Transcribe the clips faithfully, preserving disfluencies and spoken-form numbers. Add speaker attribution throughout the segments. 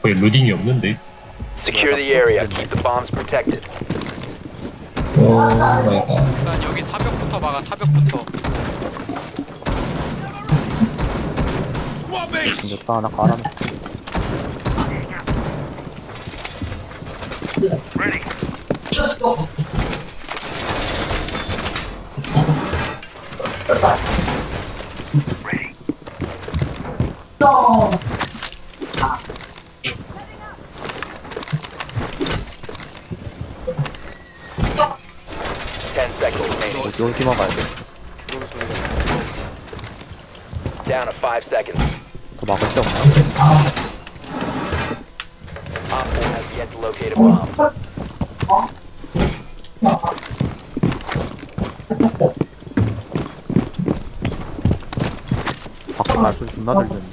Speaker 1: 거의 로딩이 없는데.
Speaker 2: Secure the area. Keep the bombs protected.
Speaker 1: 오 마이 갓.
Speaker 3: 일단 여기 사벽부터 막아. 사벽부터.
Speaker 4: 생겼다 하나 깔아놓고.
Speaker 2: Ten seconds remaining.
Speaker 4: 여기 오지마 가야 돼.
Speaker 2: Down to five seconds.
Speaker 4: 더 막을 데 없나?
Speaker 2: Op four has yet to locate a bomb.
Speaker 4: 밖에 말소리 존나 들리는데?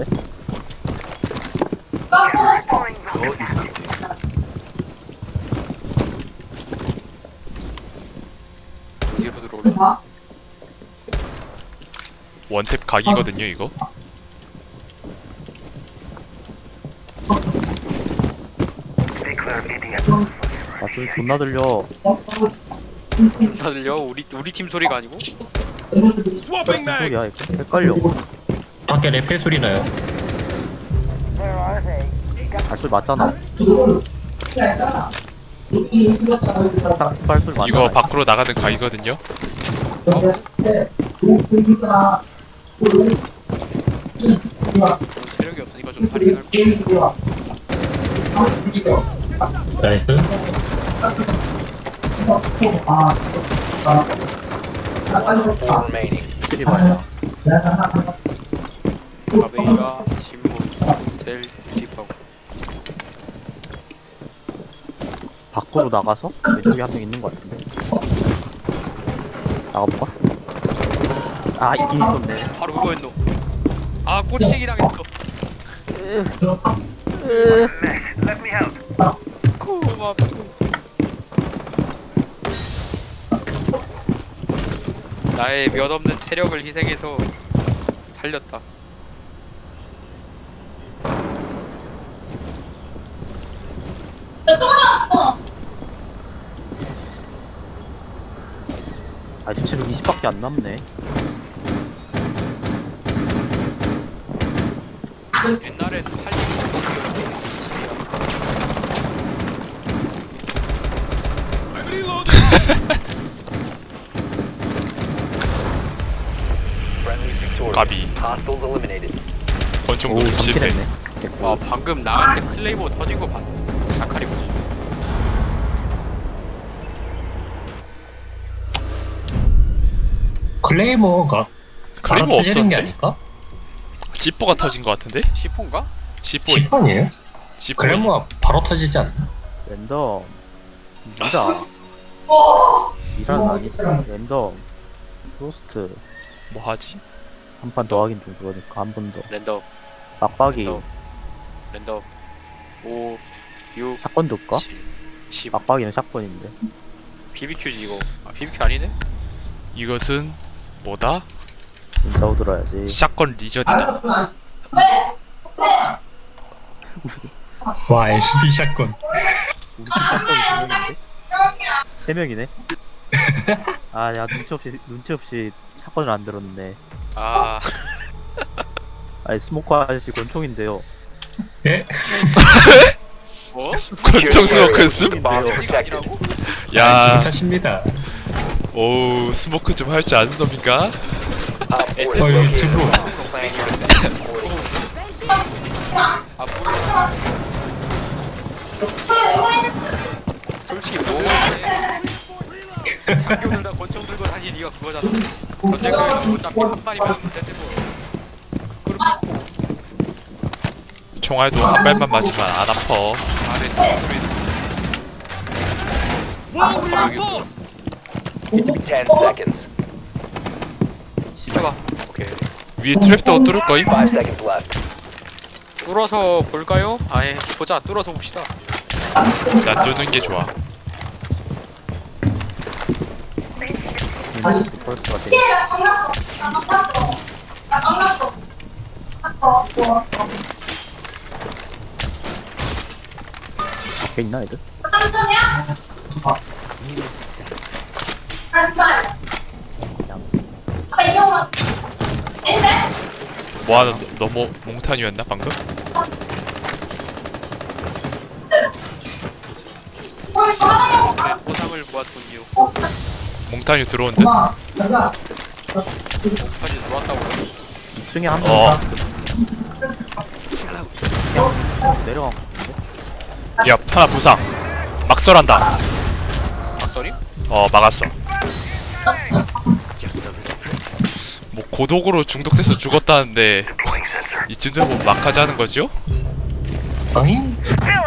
Speaker 3: 뒤로 들어올라.
Speaker 5: 원탭 각이거든요 이거.
Speaker 4: 말소리 존나 들려.
Speaker 3: 다 들려? 우리 우리 팀 소리가 아니고?
Speaker 4: 무슨 소리야 이거? 헷갈려.
Speaker 1: 밖에 랩벨 소리 나요.
Speaker 4: 말소리 맞잖아. 딱 말소리 맞잖아.
Speaker 5: 이거 밖으로 나가는 각이거든요.
Speaker 3: 체력이 없으니까 좀 다리긴 할 거야.
Speaker 1: 나이스.
Speaker 2: Four remaining.
Speaker 4: 필이 맞아.
Speaker 3: 가베이가 신문 텔 딥하고.
Speaker 4: 밖으로 나가서 왼쪽에 한 명 있는 것 같은데. 나가볼까? 아 있긴 있었네.
Speaker 3: 바로 그거였노. 아 꼬치기 당했어. 고맙소. 나의 몇 없는 체력을 희생해서 살렸다.
Speaker 4: 아직 체력 이십밖에 안 남네.
Speaker 3: 옛날엔 팔십이었는데
Speaker 2: Friendly victorious.
Speaker 5: 가비.
Speaker 2: Hostiles eliminated.
Speaker 5: 권총도
Speaker 4: 오
Speaker 5: 실패.
Speaker 4: 삼킬했네.
Speaker 3: 와 방금 나갈 때 클레이버 터진 거 봤어. 자카리 보지.
Speaker 1: 클레이머가
Speaker 5: 그리고
Speaker 1: 바로 터지는 게
Speaker 5: 없었는데?
Speaker 1: 아닐까?
Speaker 5: 지포가 터진 것 같은데?
Speaker 3: 시폰가?
Speaker 5: 시포.
Speaker 1: 십 번이에요?
Speaker 5: 시포.
Speaker 1: 클레이머가 바로 터지지 않나?
Speaker 4: 랜덤. 미라. 미라는 아니지. 랜덤. 로스트.
Speaker 5: 뭐 하지?
Speaker 4: 한 판 더 하긴 좀 그러니까 한 번 더.
Speaker 3: 랜덤
Speaker 4: 빡빡이.
Speaker 3: 랜덤 랜덤 오, 육,
Speaker 4: 샷건 둘까?
Speaker 3: 칠, 십.
Speaker 4: 빡빡이는 샷건인데.
Speaker 3: 비비큐지 이거. 아 비비큐 아니네?
Speaker 5: 이것은 뭐다?
Speaker 4: 인사우 들어야지.
Speaker 5: 샷건 리저드다.
Speaker 1: 와 에스디 샷건.
Speaker 4: 우리 팀 샷건이 두 명인데? 세 명이네. 아, 야 눈치 없이 눈치 없이 샷건을 안 들었네.
Speaker 3: 아
Speaker 4: 아니 스모커 아저씨 권총인데요.
Speaker 1: 예?
Speaker 3: 뭐?
Speaker 5: 권총 스모크 스?
Speaker 2: The bombs
Speaker 3: 아,
Speaker 2: protected.
Speaker 3: 아니라고?
Speaker 5: 야,
Speaker 1: 하십니다.
Speaker 5: 오 스모크 좀 할 줄 아는 놈인가?
Speaker 2: Op four has
Speaker 1: 어
Speaker 2: located
Speaker 1: 유튜브.
Speaker 2: a bomb. Plan your defense accordingly.
Speaker 3: 아 몰라. 솔직히 뭐해? 장교 들다 권총 들고 다니 니가 그거잖아. 전쟁터에서 어차피 한 마리만 하면 되지 뭐.
Speaker 5: 총알도 한 발만 맞으면 안 아파.
Speaker 3: 잘했다.
Speaker 2: Ten seconds.
Speaker 3: 시켜봐. 오케이.
Speaker 5: 위에 트랩도 뚫을 거임?
Speaker 2: Five seconds left.
Speaker 3: 뚫어서 볼까요? 아예 보자. 뚫어서 봅시다.
Speaker 5: 난 뚫는 게 좋아.
Speaker 4: 이놈이 벌스가 돼. 걔 있나 애들?
Speaker 5: 뭐하는 너무 몽타뉴였나 방금?
Speaker 3: 네, 보상을 모았군요.
Speaker 5: 몽타뉴 들어온 듯?
Speaker 3: 목까지 들어왔다고요?
Speaker 4: 이 층에 한 명.
Speaker 5: 어.
Speaker 4: 내려간 거 같은데?
Speaker 5: 야 하나 부상 막설한다.
Speaker 3: 박설이?
Speaker 5: 어 막았어. 뭐 고독으로 중독돼서 죽었다는데 이쯤 되면 막하지 하는 거지요?
Speaker 1: 아잉?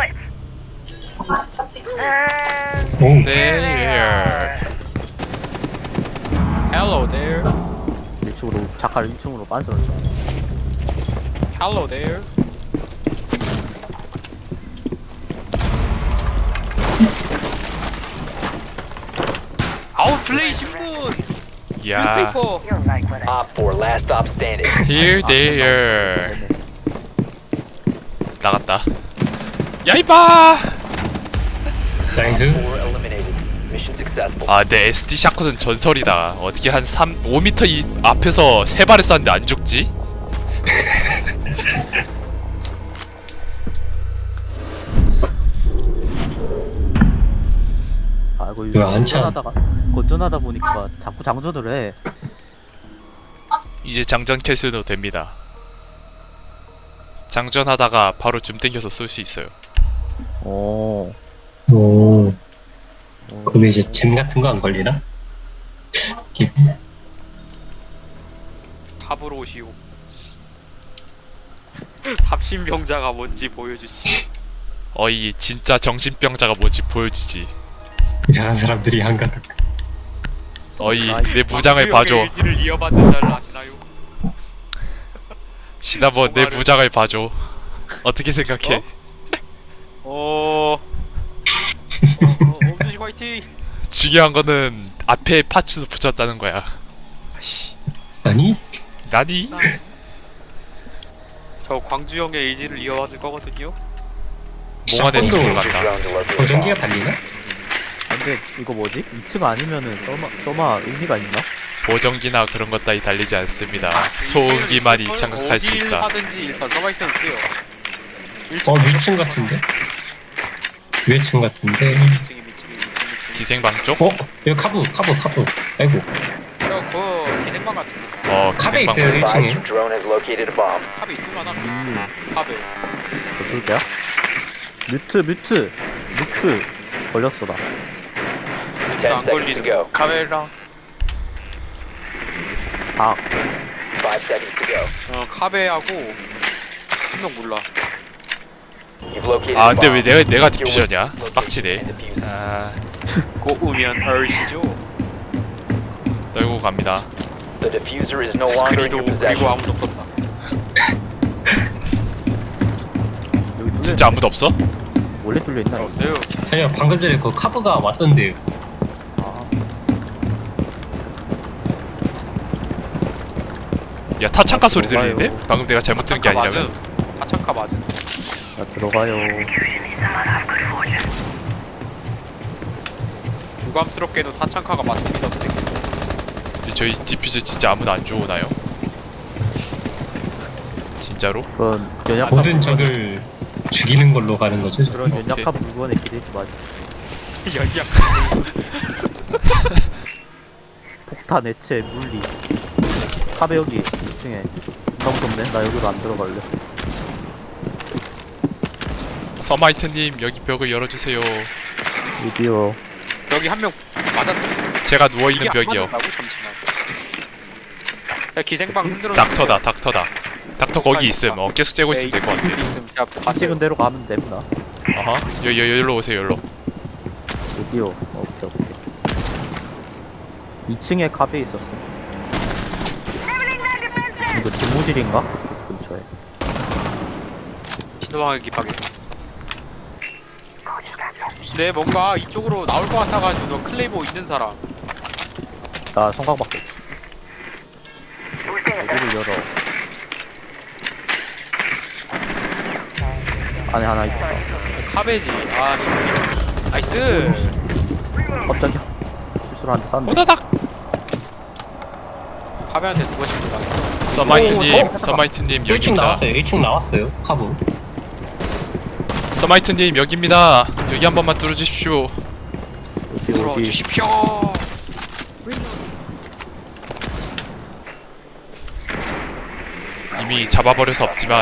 Speaker 1: 오,
Speaker 5: 네.
Speaker 3: Hello there.
Speaker 4: 이쪽으로 작가를 일 층으로 빤스러져.
Speaker 3: Hello there. 아우 플레이 신문.
Speaker 5: 야.
Speaker 3: 뉴스페이퍼.
Speaker 2: Op four, last stop standing.
Speaker 5: Here there. 나갔다. 야 이봐.
Speaker 1: 나이스.
Speaker 2: Four eliminated. Mission successful.
Speaker 5: 아, 내 에스디 샷건은 전설이다. 어떻게 한 삼, 오 미터 이 앞에서 세 발을 쐈는데 안 죽지?
Speaker 4: 아이고
Speaker 1: 왜 안 차?
Speaker 4: 건전하다가 건전하다 보니까 자꾸 장전을 해.
Speaker 5: 이제 장전 캐스도 됩니다. 장전하다가 바로 줌 땡겨서 쏠 수 있어요.
Speaker 4: 오.
Speaker 1: 오, 그럼 이제 잼 같은 거 안 걸리나? 기-
Speaker 3: 탑으로 오시오. 탑신병자가 뭔지 보여주시.
Speaker 5: 어이 진짜 정신병자가 뭔지 보여주지.
Speaker 1: 이상한 사람들이 한가득.
Speaker 5: 어이 내 무장을 봐줘.
Speaker 3: 일지를 이어받는 자를 아시나요?
Speaker 5: 시나몬 내
Speaker 3: 정말은-
Speaker 5: 무장을 봐줘. 어떻게 생각해?
Speaker 3: 어. 어, 어, 엄준식 화이팅.
Speaker 5: 중요한 거는 앞에 파츠도 붙였다는 거야.
Speaker 3: 아씨,
Speaker 1: 아니?
Speaker 5: 나니?
Speaker 3: 저 광주 형의 의지를 이어받을 거거든요.
Speaker 5: 몽환의
Speaker 1: 샷건도
Speaker 5: 숲을 간다.
Speaker 2: Drone to locate a
Speaker 1: 보정기가
Speaker 2: bomb.
Speaker 1: 달리나?
Speaker 4: 근데 이거 뭐지? 이 층 아니면은 써마 써마 의미가 있나?
Speaker 5: 보정기나 그런 것 따위 달리지 않습니다. 소음기만이
Speaker 3: 어딜
Speaker 5: 장악할 수 있다.
Speaker 3: 하든지 일단 서바이트는 쓰요.
Speaker 1: 어, 위층 같은데? 위층 같은데?
Speaker 3: 미층이 미층이 미층이 미층이.
Speaker 5: 기생방 쪽?
Speaker 1: 어? 여기 카브, 카브, 카브. 아이고.
Speaker 3: 저그 기생방 같은데.
Speaker 5: 어
Speaker 1: 카베
Speaker 5: 기생방
Speaker 1: 있어요,
Speaker 5: 맞아.
Speaker 1: 일 층에.
Speaker 2: Advise, drone has located a bomb.
Speaker 3: 탑에 있을만한
Speaker 4: 음.
Speaker 3: 탑에.
Speaker 4: 어떨 때야? 뮤트 뮤트 뮤트 걸렸어 나.
Speaker 3: 진짜 안
Speaker 2: Ten seconds to
Speaker 3: 걸리는
Speaker 2: go.
Speaker 3: 거. 카메랑.
Speaker 4: 아
Speaker 2: Five seconds to go.
Speaker 3: 어 카베하고 한 명 몰라.
Speaker 2: You've located
Speaker 5: 아
Speaker 2: a
Speaker 5: 근데 왜
Speaker 2: bomb.
Speaker 5: 내가 내가
Speaker 2: Secure
Speaker 5: 디퓨저냐?
Speaker 2: location
Speaker 5: 빡치네.
Speaker 2: and defuse it.
Speaker 5: 아
Speaker 3: 고우면 얼씨죠.
Speaker 5: 떨고 갑니다.
Speaker 2: The diffuser is no longer in
Speaker 3: 그리도
Speaker 2: your
Speaker 3: 그리고
Speaker 2: possession.
Speaker 3: 아무도 없었다.
Speaker 4: 여기 뚫려
Speaker 5: 진짜 아무도 없어?
Speaker 4: 원래 뚫려 있나? 여기?
Speaker 3: 없어요.
Speaker 1: 아니요, 방금 전에 그 카브가 왔던데.
Speaker 4: 아
Speaker 5: 야 타창가 소리
Speaker 4: 들어가요.
Speaker 5: 들리는데? 방금 내가 잘못 들은 게 아니라면?
Speaker 3: 타창카 맞음.
Speaker 4: 자, 들어가요.
Speaker 3: 유감스럽게도 타창카가 맞습니다, 선생님.
Speaker 5: 근데 저희 디퓨저 진짜 아무도 안 좋으나요? 진짜로?
Speaker 4: 그런 연약한
Speaker 1: 모든 적을 죽이는 걸로 가는 거죠.
Speaker 4: 그런
Speaker 5: 오케이.
Speaker 4: 연약한 물건에 기대지 마.
Speaker 3: 연약.
Speaker 4: 폭탄, 액체, 물리. 카베 여기 이 층에. 너무 덥네. 나 여기로 안 들어갈래.
Speaker 5: 서마이트님 여기 벽을 열어주세요.
Speaker 4: 드디어
Speaker 3: 여기 한 명 맞았어.
Speaker 5: 제가 누워있는
Speaker 3: 이게 안
Speaker 5: 벽이요.
Speaker 3: 맞았다고? 잠시만. 자, 기생방 흔들어.
Speaker 5: 닥터다 닥터다. 닥터 거기 있음. 어 계속 째고 있으면 될 것 같아.
Speaker 3: 있음. 자,
Speaker 4: 찍은
Speaker 3: 봤어요.
Speaker 4: 대로 가면 되구나.
Speaker 5: 어허. 여, 여, 여기로 오세요 여기로.
Speaker 4: 드디어. 어, 오케이, 오케이. 이 층에 카베 있었어. 이거 집무실인가? 근처에.
Speaker 3: 신호방을 기파게. 네, 뭔가 이쪽으로 나올 것 같아가지고 너 클레이보 있는 사람.
Speaker 4: 나 성광밖에 없어. 여기를 열어. 안에 하나 있다.
Speaker 3: 카베지. 아, 씨. 나이스.
Speaker 4: 깜짝이야. 실수로 한대 쐈네.
Speaker 5: 호다닥.
Speaker 3: 카베한테 누가 실수 당했어?
Speaker 5: 서마이트님,
Speaker 4: 어?
Speaker 5: 서마이트님
Speaker 1: 일 층
Speaker 5: 여기입니다.
Speaker 1: 나왔어요. 일 층 나왔어요. 카브.
Speaker 5: 서마이트님 여기입니다. 여기 한 번만 뚫어주십시오.
Speaker 4: 어디
Speaker 3: 들어
Speaker 4: 어디.
Speaker 3: 주십시오.
Speaker 5: 이미 잡아버려서 없지만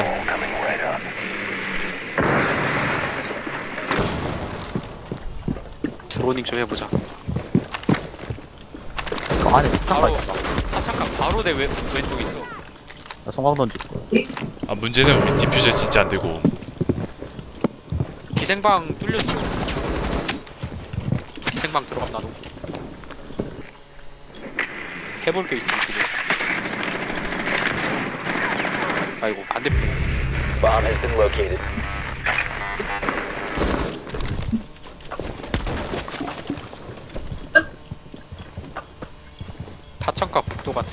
Speaker 3: 드로닝 좀 해보자.
Speaker 4: 그 안에 차가
Speaker 3: 바로
Speaker 4: 있다.
Speaker 3: 하창강 바로 내 왼, 왼쪽 있어.
Speaker 4: 나 성광 던질게.
Speaker 5: 아 문제는 우리 디퓨저 진짜 안 되고
Speaker 3: 기생방 뚫렸어. 기생방 들어감 나도. 해볼 게 있어 지금. 아이고 반대편.
Speaker 2: Bomb has been located.
Speaker 3: 타창가 국도 같은.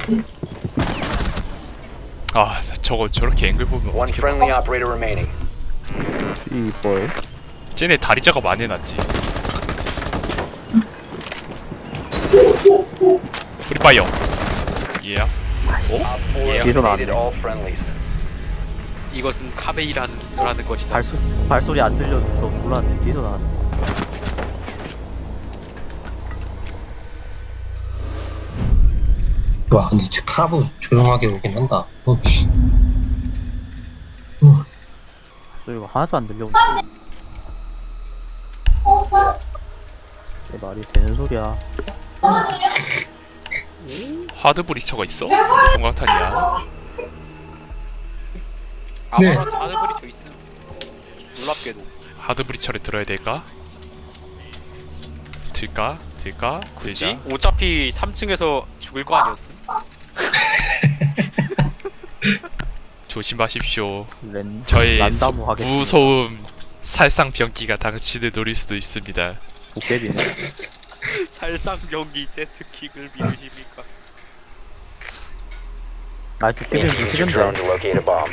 Speaker 5: 아 저거 저렇게 앵글 보면
Speaker 2: One
Speaker 5: 어떻게
Speaker 2: friendly operator remaining.
Speaker 4: 이 뭐예요?
Speaker 5: 쟤네 다리 작업 안 해놨지. 프리파이어. 예.
Speaker 2: Op four
Speaker 3: Yeah.
Speaker 2: eliminated
Speaker 4: 나왔네.
Speaker 2: all friendlies.
Speaker 3: 이것은 카베이라는 것이다.
Speaker 4: 발소 발소리 안 들려서 몰랐는데 뒤에서 나왔네.
Speaker 1: 와 근데 진짜 카브 조용하게 오긴 한다. 어, 씨.
Speaker 4: 소리가 하나도 안 들려오는데. 내 말이 되는 소리야.
Speaker 5: 하드 브리처가 있어? 성광탄이야.
Speaker 3: 아무런 자들이 저 있음. 놀랍게도.
Speaker 5: 하드 브리처를 들어야 될까? 들까? 들까?
Speaker 3: 그지?
Speaker 5: 들자.
Speaker 3: 어차피 삼 층에서 죽을 거 아니었음?
Speaker 5: 조심하십시오.
Speaker 4: 랜
Speaker 5: 저의
Speaker 4: 란다무
Speaker 5: 소,
Speaker 4: 하겠습니다.
Speaker 5: 무서움 살상 병기가 당신을 노릴 수도 있습니다.
Speaker 4: 도깨비네.
Speaker 3: 살상 경기 제트킥을 믿으십니까?
Speaker 4: 아 도깨비는 좀
Speaker 2: Use your drone
Speaker 4: 싫은데.
Speaker 2: to locate a bomb.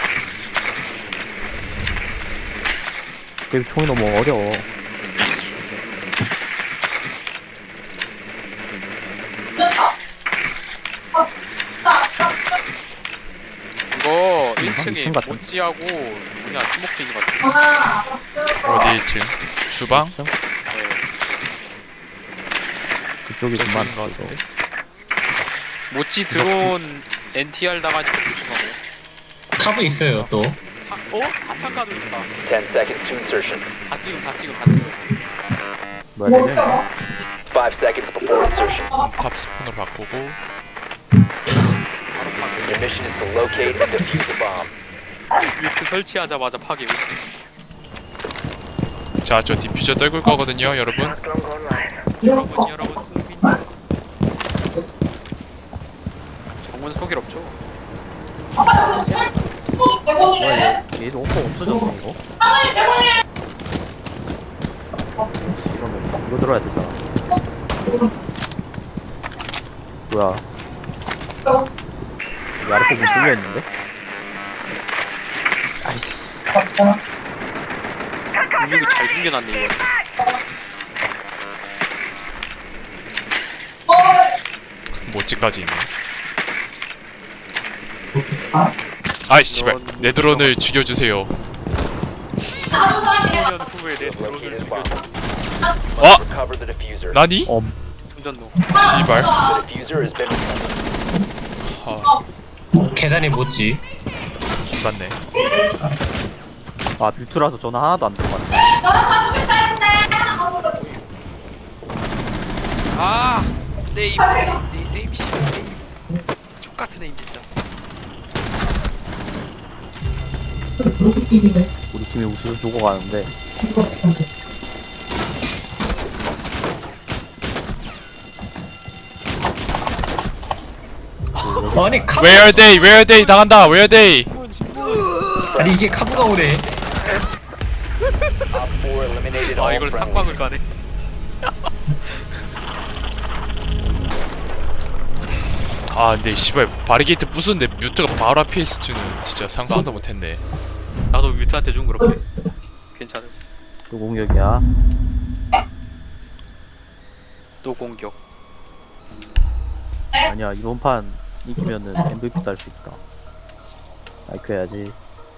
Speaker 4: 도깨비 총이 너무 어려워.
Speaker 3: 이거 일
Speaker 4: 이 층
Speaker 3: 층에
Speaker 4: 같은?
Speaker 3: 모찌하고 그냥 스모킹 같은.
Speaker 5: 어디 일 층? 주방?
Speaker 3: 네.
Speaker 4: 그쪽이 좀
Speaker 5: 저쪽인 것
Speaker 4: 많고.
Speaker 5: 같은데?
Speaker 3: 모찌 드론 엔티알 당하니까 조심하고.
Speaker 1: 카브 있어요 또.
Speaker 3: 하, 어? 하창가도 있다.
Speaker 2: Ten seconds to insertion.
Speaker 3: 다 찍음 다 찍음 다 찍음.
Speaker 4: 뭐야 네 명이야?
Speaker 2: Five seconds before insertion.
Speaker 5: 탑 스푼으로 바꾸고
Speaker 3: 바로 파괴.
Speaker 2: Your mission is to locate and defuse the bomb.
Speaker 3: 뮤트 설치하자마자 파괴.
Speaker 5: 자 저 디퓨저 떨굴 거거든요 여러분.
Speaker 3: 여러분 여러분 흥민. 정문 속일 없죠?
Speaker 4: 뭐야 얘 얘도 오퍼 없어졌네 이거. 이러면 이거 들어야 되잖아. 뭐야? 여기 아래 부분 뚫려 있는데? 아이씨.
Speaker 3: 근육이 잘 숨겨놨네 이거.
Speaker 5: 모찌까지 있네. 아이 씨발 내 드론을 죽여주세요.
Speaker 3: 십 년 후에 내 드론을
Speaker 2: Located a
Speaker 3: 죽여.
Speaker 2: bomb.
Speaker 5: 어?
Speaker 2: Recover the diffuser.
Speaker 5: 나니?
Speaker 4: 어
Speaker 3: 충전노.
Speaker 5: 씨발.
Speaker 2: The diffuser has been recovered.
Speaker 5: 하,
Speaker 1: 계단에 못지.
Speaker 5: 맞네.
Speaker 4: 아 뷰트라서 전화 하나도 안 들어갔네.
Speaker 3: 아! 네임 네임 네임 씨 네임. 족같은 네임 진짜.
Speaker 4: 우리 팀이 우승 주고 가는데.
Speaker 1: 아니 카브.
Speaker 5: Where are they? Where are they? 당한다. Where are they?
Speaker 1: 아니 이게 카브가 오네.
Speaker 2: Op four eliminated
Speaker 3: 아
Speaker 2: all
Speaker 3: 이걸
Speaker 2: friendlies.
Speaker 3: 상방을 가네.
Speaker 5: 아 근데 씨발 바리게이트 부수는데 뮤트가 바로 앞에 있을 줄은 진짜 상상도 못했네.
Speaker 3: 나도 뮤트한테 좀 그렇게. 괜찮음.
Speaker 4: 또 공격이야.
Speaker 3: 또 공격.
Speaker 4: 아니야 이번 판 이기면은 엠브이피 딸 수 있다. 마이크 해야지.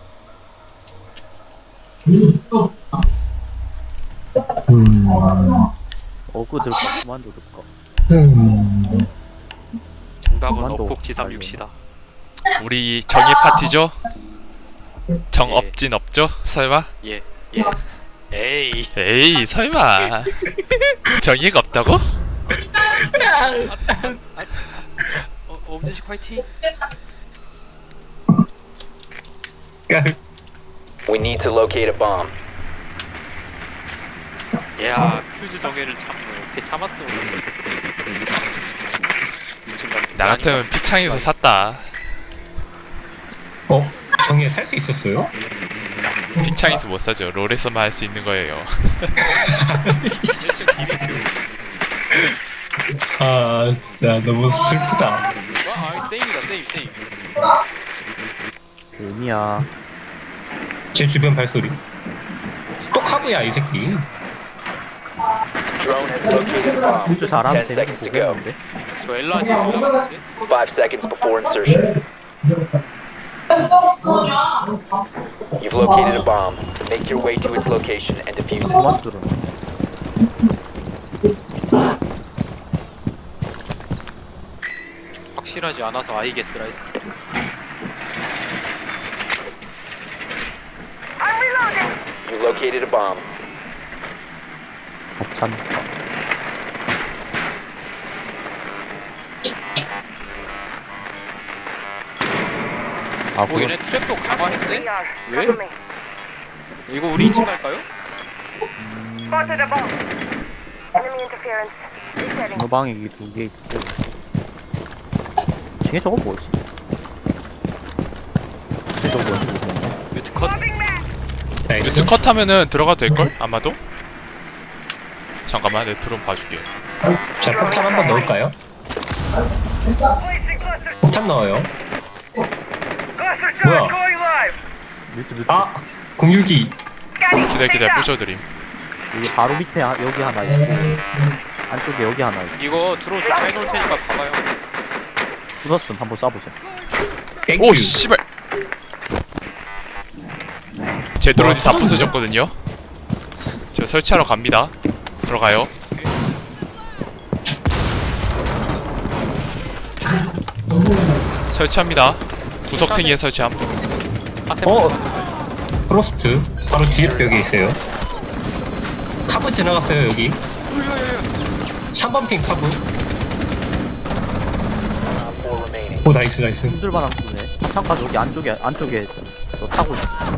Speaker 1: 음.
Speaker 4: 어그 들까 그만도 들까.
Speaker 1: 음.
Speaker 3: 정답은
Speaker 4: 그만둬.
Speaker 3: 어폭 지삼육시다.
Speaker 5: 우리 정의 파티죠?
Speaker 3: 예.
Speaker 5: 정 없진 없죠? 설마?
Speaker 3: 예. 예. 에이.
Speaker 5: 에이 설마 정의가 없다고?
Speaker 3: 어, 엄지식 화이팅.
Speaker 1: 깔.
Speaker 2: We need to locate a bomb.
Speaker 3: 야, 퓨즈 정예를 참네. 어떻게 참았어? 미친 같은.
Speaker 5: 나 같으면 피창에서 샀다.
Speaker 1: 어? 정예 살 수 있었어요?
Speaker 5: 피창에서 못 사죠. 롤에서만 할 수 있는 거예요.
Speaker 1: 아 진짜 너무 슬프다.
Speaker 3: 와, 아, 세이브다, 세이브, 세이브.
Speaker 4: 의미야.
Speaker 1: 제 주변 발소리. 또 카브야 이 새끼.
Speaker 2: Drone has located a bomb.
Speaker 4: 우주 잘하면
Speaker 2: Ten
Speaker 4: 재밌게
Speaker 2: seconds to go.
Speaker 4: 보겠는데.
Speaker 3: 저 엘라지, 엘라 같은데?
Speaker 2: Five seconds before insertion. You've located a bomb. Make your way to its location and defuse it.
Speaker 4: 그만 들어.
Speaker 3: 확실하지 않아서 아이게스라 했어.
Speaker 2: You located a bomb.
Speaker 4: 겹찬. 아
Speaker 3: 뭐
Speaker 4: 그거
Speaker 3: 얘네 트랩도 강화했대? 왜? 이거 우리 이 층 갈까요?
Speaker 6: Spotted a bomb. Enemy interference. Resetting.
Speaker 4: 방이 두 개 있고. 중에 저거 뭐지? 중에 저거 뭐지? 모르겠네.
Speaker 3: 뮤트 컷?
Speaker 1: 나이스.
Speaker 5: 뮤트 컷하면은 들어가도 될걸? 아마도? 잠깐만 내 드론 봐줄게.
Speaker 1: 자 폭탄 한번 넣을까요? 폭탄 넣어요. 뭐야?
Speaker 4: 뮤트 뮤트.
Speaker 1: 아 공유기.
Speaker 5: 기다려 기다려 부셔드림.
Speaker 4: 여기 바로 밑에 하, 여기 하나 있고 안쪽에 여기 하나 있고.
Speaker 3: 이거 드론 좀 해놓을 테니까 봐봐요.
Speaker 4: 부쉈음 한번 쏴보자.
Speaker 1: 땡큐.
Speaker 5: 오 씨발. 제 드론이 다 부서졌거든요. 저 설치하러 갑니다. 들어가요. 설치합니다. 구석탱이에 설치함.
Speaker 3: 하세
Speaker 1: 어 프로스트 바로 뒤에 벽에 있어요. 카브 지나갔어요 여기. 삼 번 핑 카브.
Speaker 2: Four remaining.
Speaker 1: 오 나이스 나이스.
Speaker 4: 힘들만한 쏘네. 창가 저기 안쪽에 안쪽에 저 타고 있어.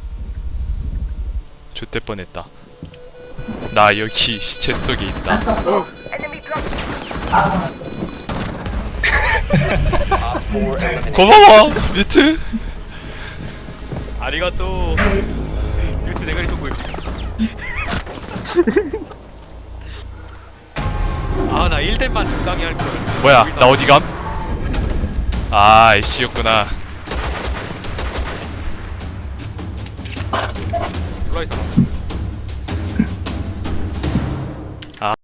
Speaker 5: 좆될 뻔했다. 나 여기 시체 속에 있다.
Speaker 6: Enemy drop.
Speaker 2: Op four eliminated.
Speaker 5: 고마워 뮤트.
Speaker 3: 아리가또. 뮤트 대가리 쏘고 있어. 아, 나 일 댐만 적당히 할걸.
Speaker 5: 뭐야 나 어디 감? 아 애쉬였구나.
Speaker 3: 올라있어.